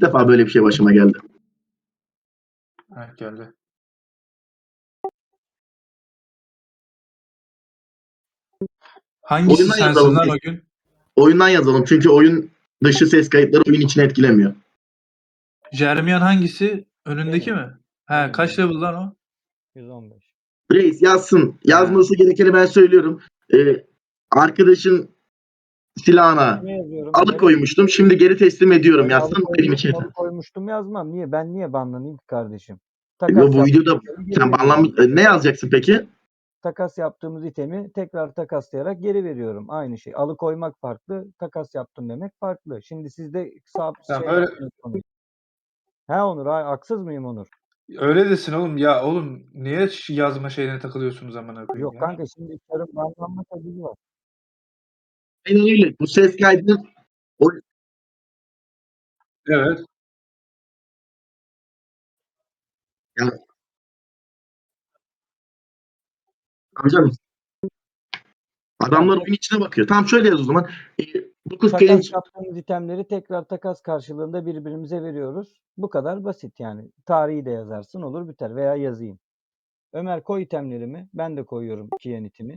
defa böyle bir şey başıma geldi. Heh, geldi. Hangisi Oyundan sensin yazalım lan biz. o gün? Oyundan yazalım çünkü oyun dışı ses kayıtları oyun içine etkilemiyor. Jeremian hangisi? Önündeki Benim. mi? He, kaç level lan o? 115. Reis yazsın. Yazması gerekeni ben söylüyorum. Arkadaşın silahına Ne yazıyorum? alıkoymuştum. Şimdi geri teslim ediyorum. Öyle Yazsın benim için. alıkoymuştum yazmam. Niye? Ben niye banlanayım ki kardeşim? Yo, bu videoda geri sen veriyorum. ne yazacaksın peki? Takas yaptığımız itemi tekrar takaslayarak geri veriyorum. Aynı şey. Alıkoymak farklı, takas yaptım demek farklı. Şimdi sizde Tamam, şey öyle- yapmıyorsunuz. He Onur, haksız mıyım Onur? Öyle desin oğlum. Ya oğlum niye yazma şeyine takılıyorsunuz amına koyayım Yok ya? kanka, şimdi karın banlanma tabii var. Aynen öyle. Bu ses kaydını Evet. yani, amcam adamlar oyun içine bakıyor. Tamam, şöyle yaz o zaman. 9 Takas genç yaptığımız itemleri tekrar takas karşılığında birbirimize veriyoruz. Bu kadar basit yani. Tarihi de yazarsın, olur biter, veya yazayım. Ömer koy itemlerimi. Ben de koyuyorum Kiyanit'imi.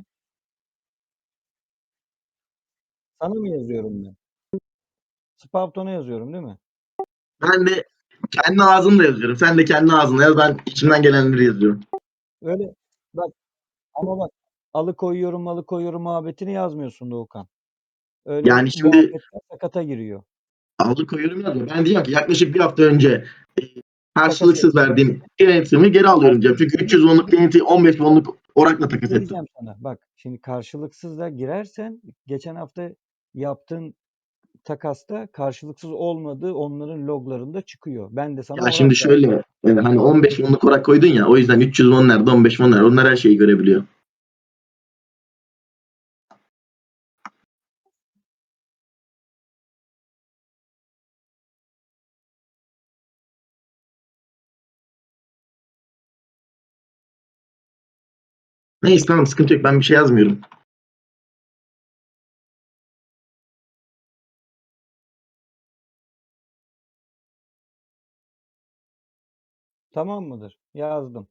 Sana mı yazıyorum ben? Spavton'a yazıyorum değil mi? ben de kendi ağzımla yazıyorum. Sen de kendi ağzınla yaz. Ben içimden gelenleri yazıyorum. Öyle bak, ama bak, alıkoyuyorum muhabbetini yazmıyorsun Doğukan. Öyle Yani şimdi muhabbetler sakata giriyor. alıkoyuyorum yazıyor. Ben diyeceğim ki yaklaşık bir hafta önce karşılıksız Takas verdiğim denetimi geri alıyorum diyeceğim. Çünkü 300 wonluk deneti 15 wonluk orakla takas Ne ettim. diyeceğim sana? Bak, şimdi karşılıksız da girersen geçen hafta yaptığın takasta karşılıksız olmadığı onların loglarında çıkıyor. Ben de sana Ya şimdi şöyle hani 15 wonluk orak koydun ya, o yüzden 300 won nerede, 15 won nerede, onlar her şeyi görebiliyor. Neyse, tamam, sıkıntı yok, ben bir şey yazmıyorum. Tamam mıdır? Yazdım.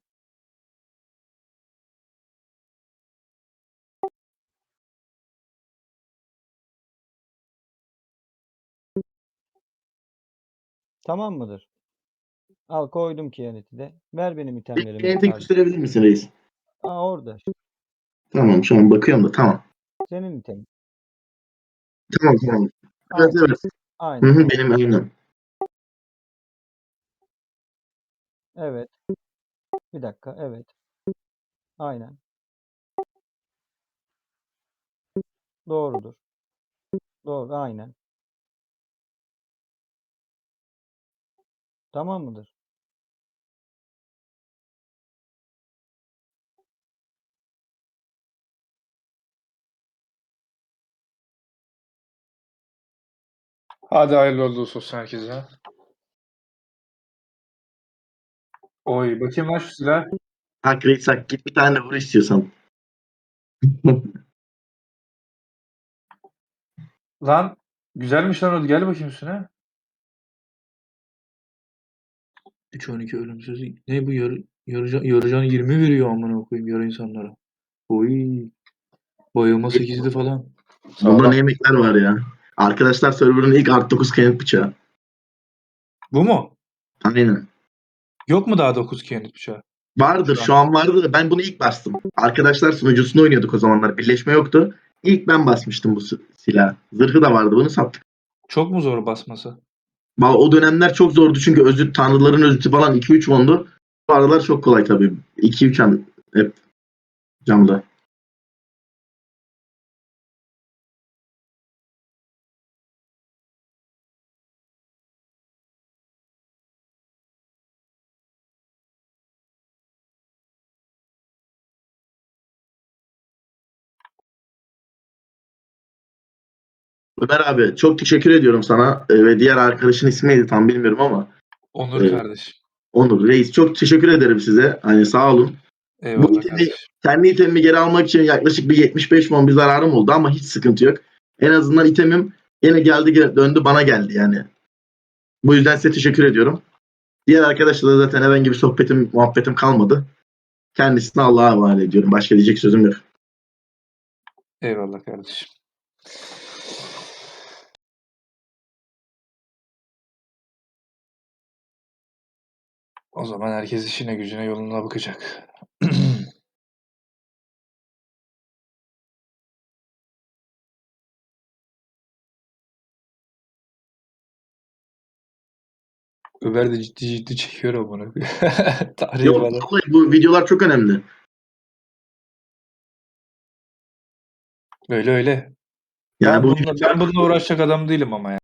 Tamam mıdır? Al, koydum Kiyanet'i de. Ver benim itemlerimi. Deneti gösterebilir misin reis? Orada. Tamam, şu an bakıyorum da, tamam. Senin itemin. Tamam. Evet, Aynen. evet. Aynen. Hı, benim aynen. Evet. Bir dakika. Evet. Aynen. Doğrudur. Doğru. Aynen. Tamam mıdır? Hadi hayırlı olsun herkese. Oy bakayım lan şu silah. Hak reis hak, git bir tane vur istiyorsan. Lan güzelmiş lan o. Gel bakayım üstüne. 3-12 ölümsüz. Ne bu yarıcan 20 veriyor amına koyayım yarı insanlara. Oy. Bayılma 8'di falan. Bunda Sağlam. ne yemekler var ya. Arkadaşlar, server'ın ilk art 9 kayıt bıçağı. Bu mu? Aynen. Yok mu daha 9 kendi bıçağı? Vardır, şu an vardı da ben bunu ilk bastım. Arkadaşlar sunucusunu oynuyorduk o zamanlar. Birleşme yoktu. İlk ben basmıştım bu silahı. Zırhı da vardı, bunu sattık. Çok mu zor basması? O dönemler çok zordu çünkü özüt, tanrıların özütü falan 2-3 wondu. Bu aralar çok kolay tabii. 2-3 an hep camda. Ömer abi, çok teşekkür ediyorum sana ve diğer arkadaşın ismi neydi tam bilmiyorum ama Onur kardeşim. Onur Reis, çok teşekkür ederim size. Hani sağ olun. Bu Eyvallah itemi, kardeşim. kendi itemimi geri almak için yaklaşık bir 75 won bir zararım oldu ama hiç sıkıntı yok. En azından itemim yine geldi döndü bana geldi yani. Bu yüzden size teşekkür ediyorum. Diğer arkadaşlarla da zaten herhangi bir sohbetim, muhabbetim kalmadı. Kendisine Allah'a havale ediyorum. Başka diyecek sözüm yok. Eyvallah kardeşim. O zaman herkes işine gücüne yoluna bakacak. Ömer de ciddi ciddi çekiyor amına koyayım. Tarihi Yok, falan. vallahi bu videolar çok önemli. Öyle öyle. Yani bu Ben bununla uğraşacak adam değilim ama ya.